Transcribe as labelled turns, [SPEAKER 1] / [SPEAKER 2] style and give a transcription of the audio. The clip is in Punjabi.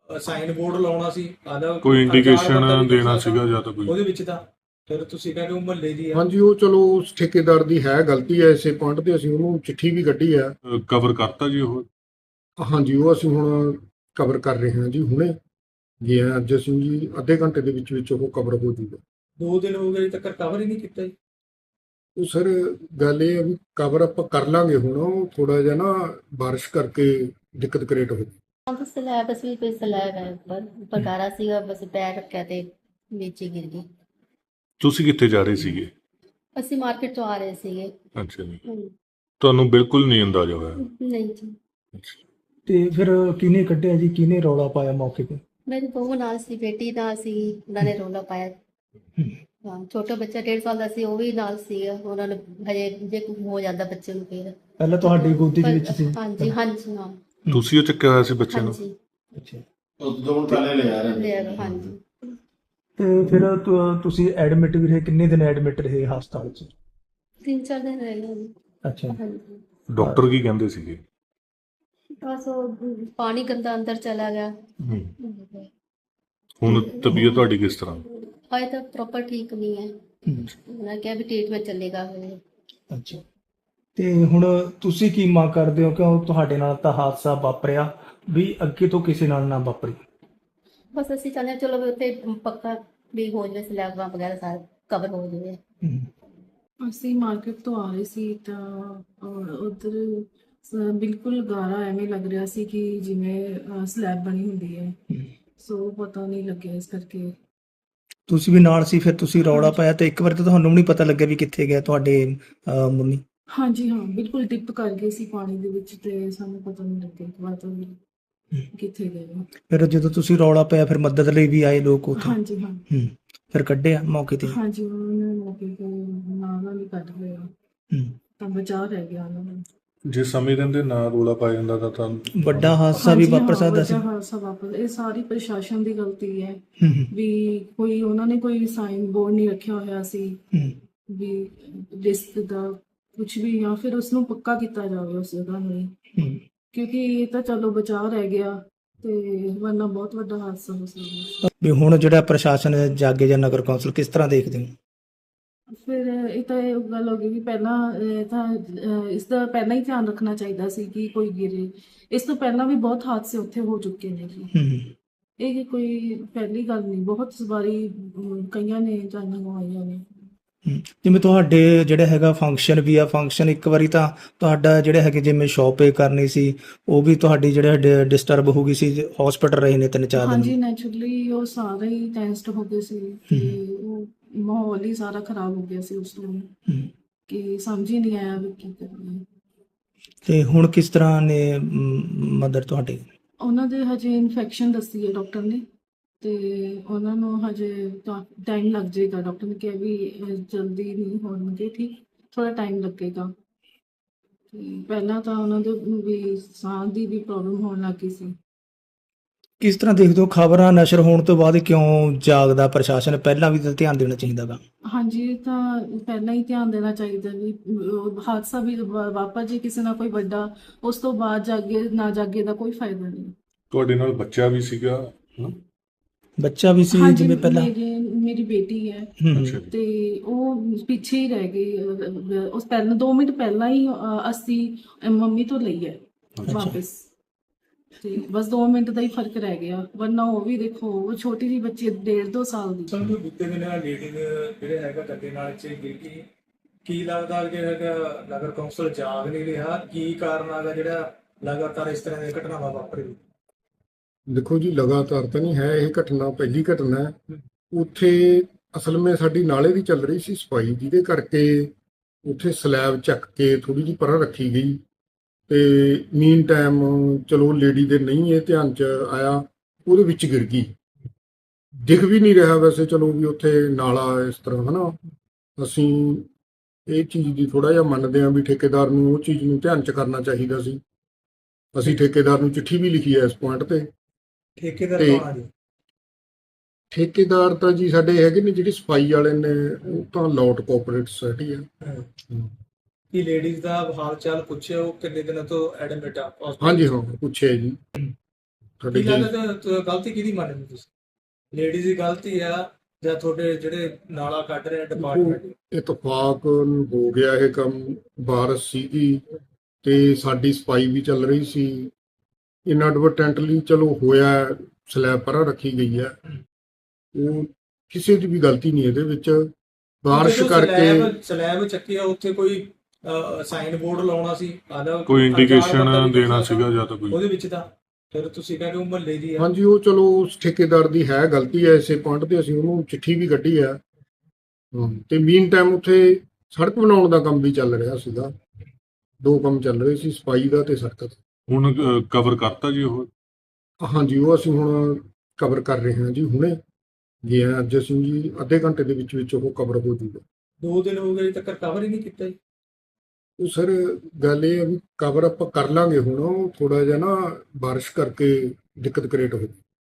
[SPEAKER 1] ਸਾਈਨ ਬੋਰਡ ਲਾਉਣਾ ਸੀ ਆਦਾ
[SPEAKER 2] ਕੋਈ ਇੰਡੀਕੇਸ਼ਨ ਦੇਣਾ ਸੀਗਾ ਜਾਂ ਤਾਂ ਕੋਈ
[SPEAKER 1] ਉਹਦੇ ਵਿੱਚ ਤਾਂ ਫਿਰ ਤੁਸੀਂ ਕਹਿੰਦੇ ਉਹ ਮੁਹੱਲੇ ਦੀ ਆ।
[SPEAKER 3] ਹਾਂਜੀ, ਉਹ ਚਲੋ ਉਸ ਠੇਕੇਦਾਰ ਦੀ ਹੈ ਗਲਤੀ ਹੈ, ਇਸੇ ਪੁਆਇੰਟ ਤੇ ਅਸੀਂ ਉਹਨੂੰ ਚਿੱਠੀ ਵੀ ਕੱਢੀ ਆ।
[SPEAKER 2] ਕਵਰ ਕਰਤਾ ਜੀ ਉਹ?
[SPEAKER 3] ਹਾਂਜੀ, ਉਹ ਅਸੀਂ ਹੁਣ ਕਵਰ ਕਰ ਰਹੇ ਹਾਂ ਜੀ ਹੁਣੇ। ਜੀ ਅੱਜ ਅਸੀਂ ਜੀ ਅੱਧੇ ਘੰਟੇ ਦੇ ਵਿੱਚ ਉਹ ਕਵਰ ਹੋ ਜੂਗਾ।
[SPEAKER 1] 2 ਦਿਨ ਹੋ ਗਏ ਤੱਕ ਕਵਰ ਹੀ ਨਹੀਂ ਕੀਤਾ ਜੀ।
[SPEAKER 3] ਉਹ ਸਰ ਗੱਲ ਇਹ ਹੈ ਵੀ ਕਵਰ ਆਪਾਂ ਕਰ ਲਾਂਗੇ ਹੁਣ, ਉਹ ਥੋੜਾ ਜਿਹਾ ਨਾ ਬਾਰਿਸ਼ ਕਰਕੇ ਦਿੱਕਤ ਕ੍ਰੀਏਟ ਹੋ ਗਈ।
[SPEAKER 4] ਬਸ ਸਲੈਬ ਬਸ ਵੀ ਕੋਈ ਸਲੈਬ ਹੈ ਉੱਪਰ ਗਾਰਾ ਸੀਗਾ, ਬਸ ਪੈਰ ਰੱਖਿਆ ਤੇ ਨੀਚੇ ਗਿਰ ਗਈ।
[SPEAKER 2] ਤੁਸੀਂ ਕਿੱਥੇ ਜਾ ਰਹੇ ਸੀਗੇ?
[SPEAKER 4] ਅਸੀਂ ਮਾਰਕੀਟ ਤੋਂ ਆ ਰਹੇ ਸੀਗੇ।
[SPEAKER 2] ਅੱਛਾ ਜੀ, ਤੁਹਾਨੂੰ ਬਿਲਕੁਲ ਨਹੀਂ ਅੰਦਾਜ਼ਾ ਹੋਇਆ?
[SPEAKER 4] ਨਹੀਂ ਜੀ,
[SPEAKER 2] ਅੱਛਾ।
[SPEAKER 5] ਤੇ ਫਿਰ ਕਿਹਨੇ ਕੱਢਿਆ ਜੀ, ਕਿਹਨੇ ਰੌਲਾ ਪਾਇਆ ਮੌਕੇ ਤੇ?
[SPEAKER 4] ਮੇਰੀ ਬਹੂ ਨਾਲ ਸੀ, ਬੇਟੀ ਨਾਲ ਸੀ, ਉਹਨਾਂ ਨੇ ਰੌਲਾ ਪਾਇਆ। ਹਾਂ, ਛੋਟਾ ਬੱਚਾ 1.5 ਸਾਲ ਦਾ ਸੀ, ਉਹ ਵੀ ਨਾਲ ਸੀ। ਉਹਨਾਂ ਨੇ ਹਜੇ ਜੇ ਕੁਝ ਹੋ ਜਾਂਦਾ ਬੱਚੇ ਨੂੰ ਫਿਰ
[SPEAKER 5] ਪਹਿਲਾਂ ਤੁਹਾਡੀ ਗੋਦੀ ਦੇ ਵਿੱਚ ਸੀ?
[SPEAKER 4] ਹਾਂਜੀ ਹਾਂਜੀ ਹਾਂ
[SPEAKER 2] ਤੁਸੀਂ ਉਹ ਚੱਕਿਆ ਹੋਇਆ ਸੀ ਬੱਚੇ ਨੂੰ?
[SPEAKER 4] ਹਾਂਜੀ
[SPEAKER 5] ਅੱਛਾ।
[SPEAKER 6] ਉਦੋਂ ਪਹਿਲੇ ਲਿਆ ਰਹੇ।
[SPEAKER 4] ਹਾਂਜੀ।
[SPEAKER 5] ਤੇ ਫਿਰ ਤੁਸੀਂ ਐਡਮਿਟ ਵੀ ਰਹੇ, ਕਿੰਨੇ ਦਿਨ ਐਡਮਿਟ ਰਹੇ ਹਸਪਤਾਲ 'ਚ?
[SPEAKER 4] 3-4 ਦਿਨ ਰਹੇ ਨੇ।
[SPEAKER 5] ਅੱਛਾ।
[SPEAKER 4] ਹਾਂਜੀ,
[SPEAKER 2] ਡਾਕਟਰ ਕੀ ਕਹਿੰਦੇ ਸੀਗੇ?
[SPEAKER 4] ਬਸ ਉਹ ਪਾਣੀ ਗੰਦਾ ਅੰਦਰ ਚਲਾ ਗਿਆ।
[SPEAKER 2] ਹੁਣ ਤਬੀਅਤ ਤੁਹਾਡੀ ਕਿਸ ਤਰ੍ਹਾਂ?
[SPEAKER 4] ਹਾਏ ਤਾਂ ਪ੍ਰੋਪਰ ਠੀਕ ਨਹੀਂ ਹੈ। ਉਹਨਾਂ ਕਿਹਾ ਵੀ ਟ੍ਰੀਟਮੈਂਟ ਚੱਲੇਗਾ ਹਜੇ।
[SPEAKER 5] ਅੱਛਾ। ਤੇ ਹੁਣ ਤੁਸੀਂ ਕੀ ਮੰਗ ਕਰਦੇ ਹੋ? ਕਿਉਂ ਤੁਹਾਡੇ ਨਾਲ ਤਾਂ ਹਾਦਸਾ ਵਾਪਰਿਆ, ਵੀ ਅੱਗੇ ਤੋਂ ਕਿਸੇ ਨਾਲ ਨਾ ਵਾਪਰੇ।
[SPEAKER 4] ਬਸ ਅਸੀਂ ਚਾਹੁੰਦੇ ਹਾਂ ਚਲੋ ਵੀ ਉੱਥੇ ਪੱਕਾ ਵੀ ਹੋ ਜਾਵੇ, ਸਲੈਬਾਂ ਵਗੈਰਾ ਸਾਰਾ ਕਵਰ ਹੋ ਜਾਵੇ।
[SPEAKER 7] ਅਸੀਂ ਮਾਰਕੀਟ ਤੋਂ ਆ ਰਹੇ ਸੀ ਤਾਂ ਉਧਰ ਬਿਲਕੁਲ ਗਾਰਾ ਐਵੇਂ ਲੱਗ ਰਿਹਾ ਸੀ ਕਿ ਜਿਵੇਂ ਸਲੈਬ ਬਣੀ ਹੁੰਦੀ ਹੈ। ਸੋ ਪਤਾ ਨਹੀਂ ਲੱਗਿਆ ਇਸ ਕਰਕੇ।
[SPEAKER 5] ਤੁਸੀਂ ਵੀ ਨਾਲ ਸੀ, ਫਿਰ ਤੁਸੀਂ ਰੌਲਾ ਪਾਇਆ ਤੇ ਇੱਕ ਵਾਰ ਤਾਂ ਤੁਹਾਨੂੰ ਵੀ ਨਹੀਂ ਪਤਾ ਲੱਗਿਆ ਵੀ ਕਿੱਥੇ ਗਿਆ ਤੁਹਾਡੇ ਮੰਮੀ?
[SPEAKER 7] ਹਾਂਜੀ ਹਾਂ, ਬਿਲਕੁਲ ਡਿਪ ਕਰ ਗਏ ਸੀ ਪਾਣੀ ਦੇ ਵਿੱਚ ਤੇ ਸਾਨੂੰ ਪਤਾ ਨਹੀਂ ਲੱਗਿਆ ਕਿ ਬਾਤ ਕਿੱਥੇ ਗਏ।
[SPEAKER 5] ਫਿਰ ਜਦੋਂ ਤੁਸੀਂ ਰੌਲਾ ਪਾਇਆ ਫਿਰ ਮਦਦ ਲਈ ਵੀ ਆਏ ਲੋਕ ਉੱਥੇ?
[SPEAKER 7] ਹਾਂਜੀ ਹਾਂ।
[SPEAKER 5] ਫਿਰ ਕੱਢਿਆ ਮੌਕੇ ਤੇ?
[SPEAKER 7] ਹਾਂਜੀ, ਉਹਨਾਂ ਨੇ ਮੌਕੇ ਤੇ ਨਾਲ ਹੀ ਕੱਢ ਲਿਆ ਤਾਂ ਬਚਾਅ ਰਹਿ ਗਿਆ ਉਹਨਾਂ ਨੂੰ।
[SPEAKER 2] ਜੇ ਸਮੇਂ ਰਹਿੰਦੇ ਨਾ ਰੋਲਾ ਪਾਇਆ ਜਾਂਦਾ ਤਾਂ
[SPEAKER 5] ਵੱਡਾ ਹਾਦਸਾ ਵੀ ਵਾਪਰ ਸਕਦਾ ਸੀ।
[SPEAKER 7] ਵੱਡਾ ਹਾਦਸਾ ਵਾਪਰ, ਇਹ ਸਾਰੀ ਪ੍ਰਸ਼ਾਸਨ ਦੀ ਗਲਤੀ ਹੈ ਵੀ ਕੋਈ ਉਹਨਾਂ ਨੇ ਕੋਈ ਸਾਈਨ ਬੋਰਡ ਨਹੀਂ ਰੱਖਿਆ ਹੋਇਆ ਸੀ ਵੀ ਰਿਸਕ ਦਾ ਕੁਝ ਵੀ, ਜਾਂ ਫਿਰ ਉਸ ਨੂੰ ਪੱਕਾ ਕੀਤਾ ਜਾਵੇ ਉਸ ਜਗ੍ਹਾ ਨੂੰ, ਕਿਉਂਕਿ ਇਹ ਤਾਂ ਚਲੋ ਬਚਾਅ ਰਹਿ ਗਿਆ ਤੇ ਵਰਨਾ ਬਹੁਤ ਵੱਡਾ ਹਾਦਸਾ ਹੋ ਸਕਦਾ।
[SPEAKER 5] ਵੀ ਹੁਣ ਜਿਹੜਾ ਪ੍ਰਸ਼ਾਸਨ ਜਾਗੇ ਜਾਂ ਨਗਰ ਕੌਂਸਲ ਕਿਸ ਤਰ੍ਹਾਂ ਦੇਖਦੇ ਹੋ?
[SPEAKER 7] ਫਿਰ ਇਹ ਤਾਂ ਇਹ ਗੱਲ ਹੋ ਗਈ ਵੀ ਪਹਿਲਾਂ ਇਸ ਦਾ ਪਹਿਲਾਂ ਹੀ ਧਿਆਨ ਰੱਖਣਾ ਚਾਹੀਦਾ ਸੀ ਕਿ ਕੋਈ ਗਿਰੇ। ਇਸ ਤੋਂ ਪਹਿਲਾਂ ਵੀ ਬਹੁਤ ਹਾਦਸੇ ਉੱਥੇ ਹੋ ਚੁੱਕੇ ਨੇ ਜੀ। ਇਹ ਕੋਈ ਪਹਿਲੀ ਗੱਲ ਨਹੀਂ, ਬਹੁਤ ਵਾਰੀ ਕਈਆਂ ਨੇ ਜਾਨਾਂ ਗਵਾਈਆਂ ਨੇ।
[SPEAKER 5] ਜਿਵੇਂ ਤੁਹਾਡੇ ਜਿਹੜਾ ਹੈਗਾ ਫੰਕਸ਼ਨ ਵੀ ਆ, ਫੰਕਸ਼ਨ ਇੱਕ ਵਾਰੀ ਤਾਂ ਤੁਹਾਡਾ ਜਿਹੜਾ ਹੈਗੇ ਜਿਵੇਂ ਸ਼ਾਪਿੰਗ ਕਰਨੀ ਸੀ ਉਹ ਵੀ ਤੁਹਾਡੀ ਜਿਹੜਾ ਡਿਸਟਰਬ ਹੋ ਗਈ ਸੀ, ਹਸਪੀਟਲ ਰਹੇ ਨੇ 3-4 ਦਿਨ?
[SPEAKER 7] ਹਾਂਜੀ, ਨੈਚੁਰਲੀ ਉਹ ਸਾਰੇ ਹੀ ਟੈਸਟ ਹੋ ਗਏ ਸੀ ਤੇ ਉਹ ਮਾਹੌਲ ਹੀ ਸਾਰਾ ਖਰਾਬ ਹੋ ਗਿਆ ਸੀ ਉਸ ਤੋਂ ਕਿ ਸਮਝ ਹੀ ਨਹੀਂ ਆਇਆ ਵੀ ਕੀ ਕਰਨਾ।
[SPEAKER 5] ਤੇ ਹੁਣ ਕਿਸ ਤਰ੍ਹਾਂ ਨੇ ਮਦਰ ਤੁਹਾਡੇ?
[SPEAKER 7] ਉਹਨਾਂ ਦੇ ਹਜੇ ਇਨਫੈਕਸ਼ਨ ਦੱਸੀ ਹੈ ਡਾਕਟਰ ਨੇ ਤੇ ਉਹਨਾਂ ਨੂੰ ਹਜੇ ਟਾਈਮ ਲੱਗ ਜਾਏਗਾ। ਡਾਕਟਰ ਨੇ ਕਿਹਾ ਵੀ ਜਲਦੀ ਨਹੀਂ ਹੋਣਗੇ ਠੀਕ, ਥੋੜਾ ਟਾਈਮ ਲੱਗੇਗਾ। ਤੇ ਪਹਿਲਾਂ ਤਾਂ ਉਹਨਾਂ ਦੇ ਵੀ ਸਾਹ ਦੀ ਵੀ ਪ੍ਰੋਬਲਮ ਹੋਣ ਲੱਗ ਗਈ ਸੀ।
[SPEAKER 5] ਕਿਸ ਤਰ੍ਹਾਂ ਦੇਖਦੇ ਹੋ ਖਬਰਾਂ ਨਸ਼ਰ ਹੋਣ ਤੋਂ ਬਾਅਦ ਕਿਉਂ ਜਾਗਦਾ ਪ੍ਰਸ਼ਾਸਨ? ਪਹਿਲਾਂ ਵੀ ਤਾਂ ਧਿਆਨ ਦੇਣਾ ਚਾਹੀਦਾ ਵਾ।
[SPEAKER 7] ਹਾਂਜੀ, ਇਹ ਤਾਂ ਪਹਿਲਾਂ ਹੀ ਧਿਆਨ ਦੇਣਾ ਚਾਹੀਦਾ ਵੀ ਹਾਦਸਾ ਵੀ ਵਾਪਰ ਜੇ ਕਿਸੇ ਨਾਲ ਕੋਈ ਵੱਡਾ, ਉਸ ਤੋਂ ਬਾਅਦ ਜਾਗੇ ਨਾ ਜਾਗੇ ਦਾ ਕੋਈ ਫਾਇਦਾ ਨਹੀਂ।
[SPEAKER 2] ਤੁਹਾਡੇ ਨਾਲ ਬੱਚਾ ਵੀ ਸੀਗਾ?
[SPEAKER 5] ਬੱਚਾ ਵੀ ਸੀ
[SPEAKER 7] ਹਾਂਜੀ,
[SPEAKER 5] ਜਿਵੇਂ ਪਹਿਲਾਂ?
[SPEAKER 7] ਮੇਰੀ ਬੇਟੀ ਹੈ
[SPEAKER 2] ਅੱਛਾ।
[SPEAKER 7] ਤੇ ਉਹ ਪਿੱਛੇ ਹੀ ਰਹਿ ਗਈ। ਉਸ ਪਹਿਲਾਂ 2 ਮਿੰਟ ਪਹਿਲਾਂ ਹੀ ਅਸੀਂ ਮੰਮੀ ਤੋਂ ਲਈ ਹੈ ਵਾਪਸ, ਤੇ ਬਸ 2 ਮਿੰਟ ਦਾ ਹੀ ਫਰਕ ਰਹਿ ਗਿਆ। ਵਰਨਾ ਉਹ ਵੀ ਦੇਖੋ, ਉਹ ਛੋਟੀ ਜਿਹੀ ਬੱਚੀ 1.5-2 ਸਾਲ ਦੀ।
[SPEAKER 1] ਸਾਨੂੰ ਬੀਤੇ ਦਿਨ ਲੇਡੀ ਜਿਹੜੇ ਹੈਗਾ ਗੱਡੇ ਨਾਲ ਚ ਗਿਰ ਗਈ। ਕੀ ਲੱਗਦਾ ਕਿ ਹੈਗਾ ਨਗਰ ਕੌਂਸਲ ਜਾਗ ਨਹੀਂ ਰਿਹਾ? ਕੀ ਕਾਰਨ ਆਗਾ ਜਿਹੜਾ ਲਗਾਤਾਰ ਇਸ ਤਰ੍ਹਾਂ ਦੀਆਂ ਘਟਨਾਵਾਂ ਵਾਪਰ ਰਹੀਆਂ?
[SPEAKER 3] ਦੇਖੋ ਜੀ, ਲਗਾਤਾਰ ਤਾਂ ਨਹੀਂ ਹੈ ਇਹ ਘਟਨਾ, ਪਹਿਲੀ ਘਟਨਾ ਹੈ। ਉੱਥੇ ਅਸਲ ਵਿੱਚ ਸਾਡੀ ਨਾਲੇ ਦੀ ਚੱਲ ਰਹੀ ਸੀ ਸਫਾਈ, ਜਿਹਦੇ ਕਰਕੇ ਉੱਥੇ ਸਲੈਬ ਚੱਕ ਕੇ ਥੋੜੀ ਜਿਹੀ ਪਰਾਂ ਰੱਖੀ ਗਈ ਤੇ ਮੀਨ ਟਾਈਮ ਚਲੋ ਲੇਡੀ ਦੇ ਨਹੀਂ ਇਹ ਧਿਆਨ 'ਚ ਆਇਆ, ਉਹਦੇ ਵਿੱਚ ਗਿਰ ਗਈ। ਦਿਖ ਵੀ ਨਹੀਂ ਰਿਹਾ ਵੈਸੇ ਚਲੋ ਵੀ ਉੱਥੇ ਨਾਲਾ ਇਸ ਤਰ੍ਹਾਂ ਹੈ ਨਾ। ਅਸੀਂ ਇਹ ਚੀਜ਼ ਦੀ ਥੋੜਾ ਜਿਹਾ ਮੰਨਦੇ ਹਾਂ ਵੀ ਠੇਕੇਦਾਰ ਨੂੰ ਉਹ ਚੀਜ਼ ਨੂੰ ਧਿਆਨ 'ਚ ਕਰਨਾ ਚਾਹੀਦਾ ਸੀ। ਅਸੀਂ ਠੇਕੇਦਾਰ ਨੂੰ ਚਿੱਠੀ ਵੀ ਲਿਖੀ ਹੈ ਇਸ ਪੁਆਇੰਟ ਤੇ।
[SPEAKER 1] ਠੇਕੇਦਾਰ ਕੌਣ ਆ ਜੀ?
[SPEAKER 3] ਠੇਕੇਦਾਰ ਤਾਂ ਜੀ ਸਾਡੇ ਹੈਗੇ ਨੇ ਜਿਹੜੇ ਸਫਾਈ ਵਾਲੇ ਨੇ, ਉਹ ਤਾਂ ਲੋਟ ਕੋਆਪਰੇਟਿਵ ਸੁਸਾਇਟੀ ਹੈ।
[SPEAKER 1] ਕੀ ਲੇਡੀਜ਼ ਦਾ ਹਾਲ ਚਾਲ ਪੁੱਛਿਆ? ਉਹ ਕਿੰਨੇ ਦਿਨਾਂ ਤੋਂ ਐਡਮਿਟ ਆ?
[SPEAKER 3] ਹਾਂਜੀ ਹਾਂ, ਪੁੱਛਿਆ ਜੀ। ਸਾਡੇ
[SPEAKER 1] ਕੀ
[SPEAKER 3] ਜੇ
[SPEAKER 1] ਲੱਗਦਾ ਗਲਤੀ ਕਿਹਦੀ ਮੰਨਦੇ ਤੁਸੀਂ? ਲੇਡੀਜ਼ ਦੀ ਗਲਤੀ ਆ ਜਾਂ ਤੁਹਾਡੇ ਜਿਹੜੇ ਨਾਲਾ ਕੱਢ ਰਹੇ ਡਿਪਾਰਟਮੈਂਟ?
[SPEAKER 3] ਇਤਫਾਕ ਹੋ ਗਿਆ ਇਹ ਕੰਮ, ਬਾਰਿਸ਼ ਸੀਗੀ ਤੇ ਸਾਡੀ ਸਫਾਈ ਵੀ ਚੱਲ ਰਹੀ ਸੀ, ਇਨਐਡਵਰਟੈਂਟਲੀ ਚਲੋ ਹੋਇਆ, ਸਲੈਬ ਪਰਾਂ ਰੱਖੀ ਗਈ ਹੈ, ਉਹ ਕਿਸੇ ਦੀ ਵੀ ਗਲਤੀ ਨਹੀਂ ਇਹਦੇ ਵਿੱਚ। ਬਾਰਿਸ਼ ਕਰਕੇ
[SPEAKER 1] ਸਲੈਬ ਚੱਕੀ ਆ, ਉੱਥੇ ਕੋਈ ਸਾਈਨ ਬੋਰਡ ਲਾਉਣਾ ਸੀ,
[SPEAKER 2] ਕੋਈ ਇੰਡੀਕੇਸ਼ਨ ਦੇਣਾ ਸੀਗਾ ਜਾਂ ਤਾਂ ਕੋਈ
[SPEAKER 1] ਉਹਦੇ ਵਿੱਚ ਤਾਂ ਫਿਰ ਤੁਸੀਂ ਕਹਿੰਦੇ ਹੋ ਮੁਹੱਲੇ ਦੀ ਆ।
[SPEAKER 3] ਹਾਂਜੀ, ਉਹ ਚਲੋ ਉਸ ਠੇਕੇਦਾਰ ਦੀ ਹੈ ਗਲਤੀ ਹੈ, ਇਸੇ ਪੁਆਇੰਟ ਤੇ ਅਸੀਂ ਉਹਨੂੰ ਚਿੱਠੀ ਵੀ ਕੱਢੀ ਆ। ਤੇ ਮੀਨ ਟਾਈਮ ਉੱਥੇ ਸੜਕ ਬਣਾਉਣ ਦਾ ਕੰਮ ਵੀ ਚੱਲ ਰਿਹਾ ਸੀਗਾ, 2 ਕੰਮ ਚੱਲ ਰਹੇ ਸੀ, ਸਫਾਈ ਦਾ ਤੇ ਸੜਕ ਦਾ।
[SPEAKER 2] ਹੁਣ ਕਵਰ ਕਰਤਾ ਜੀ ਉਹ?
[SPEAKER 3] ਹਾਂਜੀ, ਉਹ ਅਸੀਂ ਹੁਣ ਕਵਰ ਕਰ ਰਹੇ ਹਾਂ ਜੀ, ਹੁਣੇ ਗਏ ਹਾਂ ਅੱਜ ਅਸੀਂ ਜੀ, ਅੱਧੇ ਘੰਟੇ ਦੇ ਵਿੱਚ ਉਹ ਕਵਰ ਹੋ ਜੂਗਾ।
[SPEAKER 1] 2 ਦਿਨ ਹੋ ਗਏ ਤੱਕ ਕਵਰ ਹੀ ਨਹੀਂ ਕੀਤਾ ਜੀ।
[SPEAKER 3] ਉਹ ਸਰ ਗੱਲ ਇਹ ਹੈ ਵੀ ਕਵਰ ਆਪਾਂ ਕਰ ਲਾਂਗੇ, ਹੁਣ ਉਹ ਥੋੜਾ ਜਿਹਾ ਨਾ ਬਾਰਿਸ਼ ਕਰਕੇ ਦਿੱਕਤ ਕ੍ਰੀਏਟ ਹੋ ਗਈ।